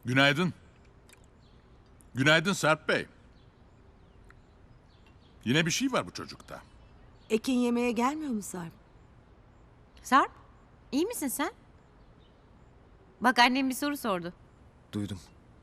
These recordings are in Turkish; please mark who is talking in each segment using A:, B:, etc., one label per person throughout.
A: Günaydın. Günaydın Sarp Bey. Yine bir şey var bu çocukta.
B: Ekin yemeğe gelmiyor mu Sarp?
C: Sarp, iyi misin sen? Bak annem bir soru sordu.
D: Duydum.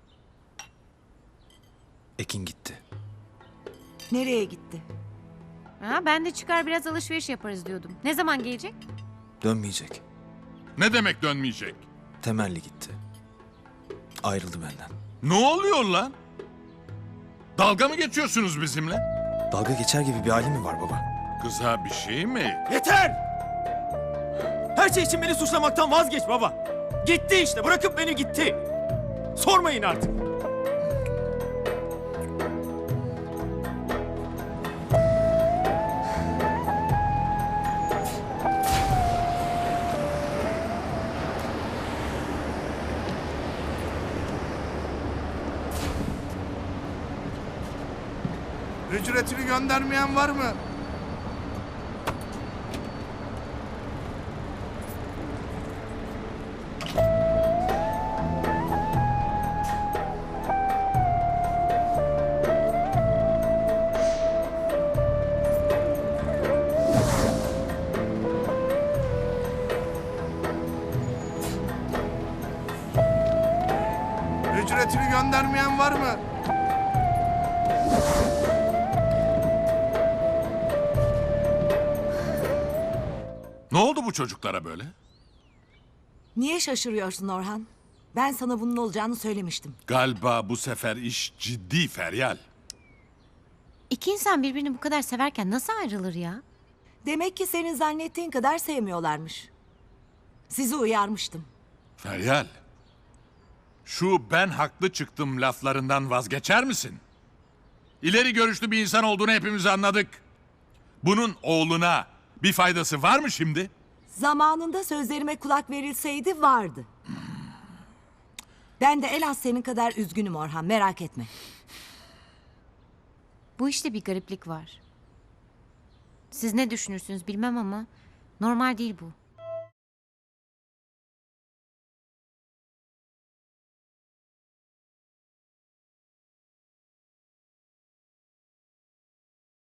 D: Ekin gitti.
B: Nereye gitti?
C: Ha, ben de çıkar biraz alışveriş yaparız diyordum. Ne zaman gelecek?
D: Dönmeyecek.
A: Ne demek dönmeyecek?
D: Temelli gitti. Ayrıldı benden.
A: Ne oluyor lan? Dalga mı geçiyorsunuz bizimle?
D: Dalga geçer gibi bir hali mi var baba?
A: Kıza bir şey mi?
E: Yeter! Her şey için beni suçlamaktan vazgeç baba. Gitti işte, bırakıp beni gitti. Sormayın artık.
F: Ücretini göndermeyen var mı? Ücretini göndermeyen var mı?
A: Ne oldu bu çocuklara böyle?
B: Niye şaşırıyorsun Orhan? Ben sana bunun olacağını söylemiştim.
A: Galiba bu sefer iş ciddi Feryal.
C: İki insan birbirini bu kadar severken nasıl ayrılır ya?
B: Demek ki senin zannettiğin kadar sevmiyorlarmış. Sizi uyarmıştım.
A: Feryal. Şu ben haklı çıktım laflarından vazgeçer misin? İleri görüşlü bir insan olduğunu hepimiz anladık. Bunun oğluna bir faydası var mı şimdi?
B: Zamanında sözlerime kulak verilseydi vardı. Ben de en az senin kadar üzgünüm Orhan, merak etme.
C: Bu işte bir gariplik var. Siz ne düşünürsünüz bilmem ama normal değil bu.